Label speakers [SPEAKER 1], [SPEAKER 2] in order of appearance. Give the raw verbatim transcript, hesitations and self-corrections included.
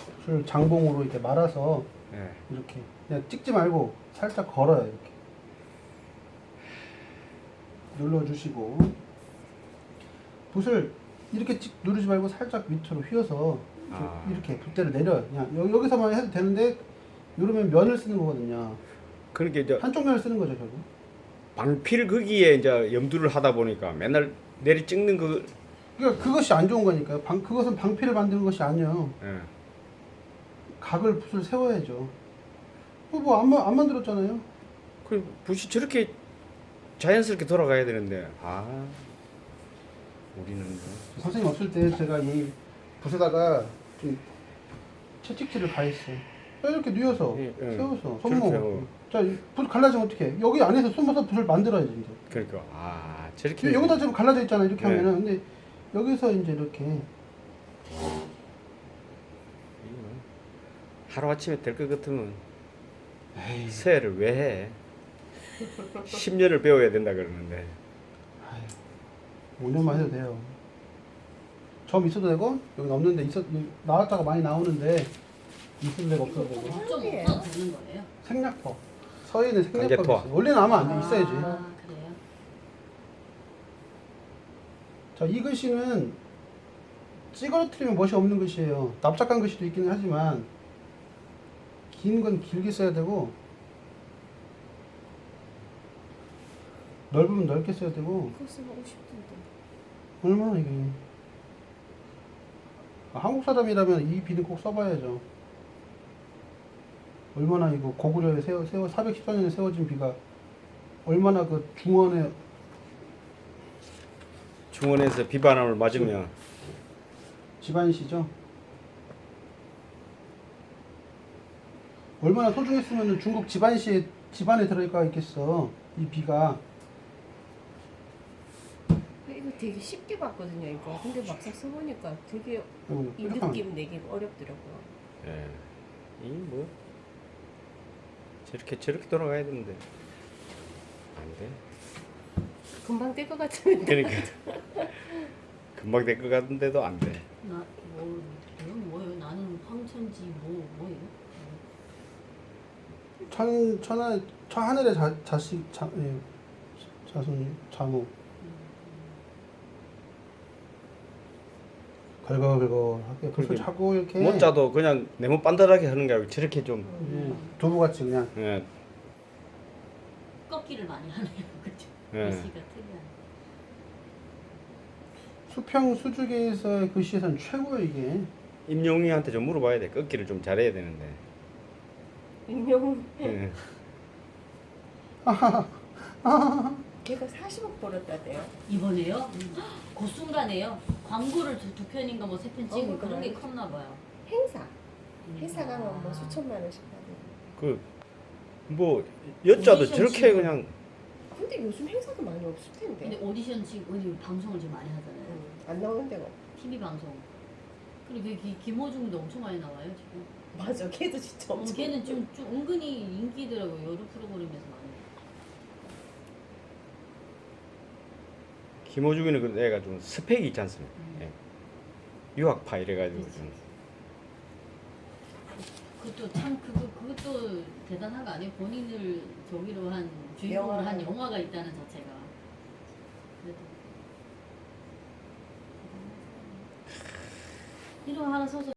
[SPEAKER 1] 술 장봉으로 이렇게 말아서
[SPEAKER 2] 예.
[SPEAKER 1] 이렇게 그냥 찍지 말고 살짝 걸어요. 이렇게 눌러주시고 붓을 이렇게 찍 누르지 말고 살짝 밑으로 휘어서 이렇게,
[SPEAKER 2] 아.
[SPEAKER 1] 이렇게 붓대를 내려요. 그냥 여, 여기서만 해도 되는데 이러면 면을 쓰는 거거든요.
[SPEAKER 2] 그러니까 이제
[SPEAKER 1] 한쪽 면을 쓰는 거죠, 결국.
[SPEAKER 2] 방필 거기에 이제 염두를 하다 보니까 맨날 내리 찍는 그
[SPEAKER 1] 그러니까 그것이 안 좋은 거니까요. 방, 그것은 방패를 만드는 것이 아니에요.
[SPEAKER 2] 예.
[SPEAKER 1] 각을 붓을 세워야죠. 뭐안 안 만들었잖아요.
[SPEAKER 2] 그 붓이 저렇게 자연스럽게 돌아가야 되는데 아 우리는 뭐
[SPEAKER 1] 선생님 없을 때 제가 이 붓에다가 좀 채찍질을 가했어요. 이렇게 뉘어서
[SPEAKER 2] 예, 예.
[SPEAKER 1] 세워서
[SPEAKER 2] 저렇게
[SPEAKER 1] 손목.
[SPEAKER 2] 하고.
[SPEAKER 1] 자, 붓 갈라지면 어떻게? 여기 안에서 숨어서 붓을 만들어야지 이제.
[SPEAKER 2] 그러니까 아 저렇게
[SPEAKER 1] 여기다 지금 갈라져 있잖아 이렇게
[SPEAKER 2] 네.
[SPEAKER 1] 하면은. 근데 여기서 이제 이렇게
[SPEAKER 2] 하루 아침에 될 것 같으면 에이, 서예를 왜 해? 십 년을 배워야 된다 그러는데
[SPEAKER 1] 오 년만 해도 돼요. 점 있어도 되고 여기 없는데 있어 나왔다가 많이 나오는데 있어도 되고 없어도 되고.
[SPEAKER 3] 좀 없어도 되는 거예요?
[SPEAKER 1] 생략법. 서예는 생략법이
[SPEAKER 2] 관제토화.
[SPEAKER 1] 있어요. 원래는 아마 안 돼. 있어야지.
[SPEAKER 3] 아, 그래요?
[SPEAKER 1] 자, 이 글씨는 찌그러뜨리면 멋이 없는 글씨예요. 납작한 글씨도 있기는 하지만 긴 건 길게 써야 되고 넓으면 넓게 써야 되고.
[SPEAKER 4] 그거 쓰면 오십던데.
[SPEAKER 1] 얼마나 이게. 아, 한국 사람이라면 이 비는 꼭 써봐야죠. 얼마나 이거 고구려에 세워, 세워 사백십사 년에 세워진 비가 얼마나 그 중원에
[SPEAKER 2] 중원에서 비바람을 맞으면
[SPEAKER 1] 집안시죠. 얼마나 소중했으면 중국 집안시에 집안에 들어가 있겠어. 이 비가.
[SPEAKER 4] 이거 되게 쉽게 봤거든요, 이거. 근데 막상 써보니까 되게
[SPEAKER 1] 이거
[SPEAKER 4] 이
[SPEAKER 1] 뾰족한
[SPEAKER 4] 느낌 내기가 어렵더라고요.
[SPEAKER 2] 예. 이뭐 저렇게 저렇게 돌아가야 되는데 안 돼.
[SPEAKER 4] 금방 될 것 같으면
[SPEAKER 2] 그러니까 금방 될 것 같은데도 안 돼.
[SPEAKER 3] 나, 뭐, 이건 뭐예요? 나는 황천지 뭐, 뭐예요?
[SPEAKER 1] 천, 천하, 천 하늘의 자, 자식, 자, 예, 자손, 자모. 걸걸걸걸하게 붓을
[SPEAKER 2] 그렇게
[SPEAKER 1] 차고 이렇게
[SPEAKER 2] 못자도 그냥 네모 반듯하게 하는 게 아니고 저렇게 좀
[SPEAKER 1] 예, 두부같이 그냥
[SPEAKER 2] 예.
[SPEAKER 3] 꺾기를 많이 하네요. 그죠?
[SPEAKER 2] 예.
[SPEAKER 3] 글씨가 특이하네.
[SPEAKER 1] 수평 수주계에서의 글씨에서는 최고예요 이게.
[SPEAKER 2] 임영웅한테 좀 물어봐야 돼. 꺾기를 좀 잘해야 되는데.
[SPEAKER 4] 임영웅
[SPEAKER 2] 예.
[SPEAKER 4] 걔가 사십억 벌었다대요.
[SPEAKER 3] 이번에요? 그 순간에요? 광고를 두, 두 편인가 뭐 세 편 찍고
[SPEAKER 4] 어,
[SPEAKER 3] 그런 게
[SPEAKER 4] 그래.
[SPEAKER 3] 컸나 봐요.
[SPEAKER 4] 행사.
[SPEAKER 3] 음.
[SPEAKER 4] 회사 가면 뭐
[SPEAKER 3] 아.
[SPEAKER 4] 수천만 원씩 받는.
[SPEAKER 2] 그 뭐 여자도
[SPEAKER 3] 오디션
[SPEAKER 2] 저렇게
[SPEAKER 3] 치고.
[SPEAKER 2] 그냥
[SPEAKER 4] 근데 요즘 행사도 많이 없을 텐데.
[SPEAKER 3] 근데 오디션 지금 어디 방송을 지금 많이 하잖아요.
[SPEAKER 4] 음, 안 나오는 데가 없-
[SPEAKER 3] 티비 방송. 그리고 그 기- 김호중도 엄청 많이 나와요 지금.
[SPEAKER 4] 맞아. 걔도 진짜
[SPEAKER 3] 어,
[SPEAKER 4] 엄청.
[SPEAKER 3] 걔는 좀, 좀 은근히 인기더라고요. 여러 프로그램에서 많이.
[SPEAKER 2] 김호중이는 그 애가 좀 스펙이 있지 않습니까?
[SPEAKER 3] 음.
[SPEAKER 2] 예. 유학파 이래가지고
[SPEAKER 3] 그치.
[SPEAKER 2] 좀
[SPEAKER 3] 그것도 참 그거 그것도 대단한 거 아니에요? 본인을 저기로 한 주인공으로
[SPEAKER 4] 영화.
[SPEAKER 3] 한 영화가 있다는 자체가. 그래도 이런 거 하나 써서.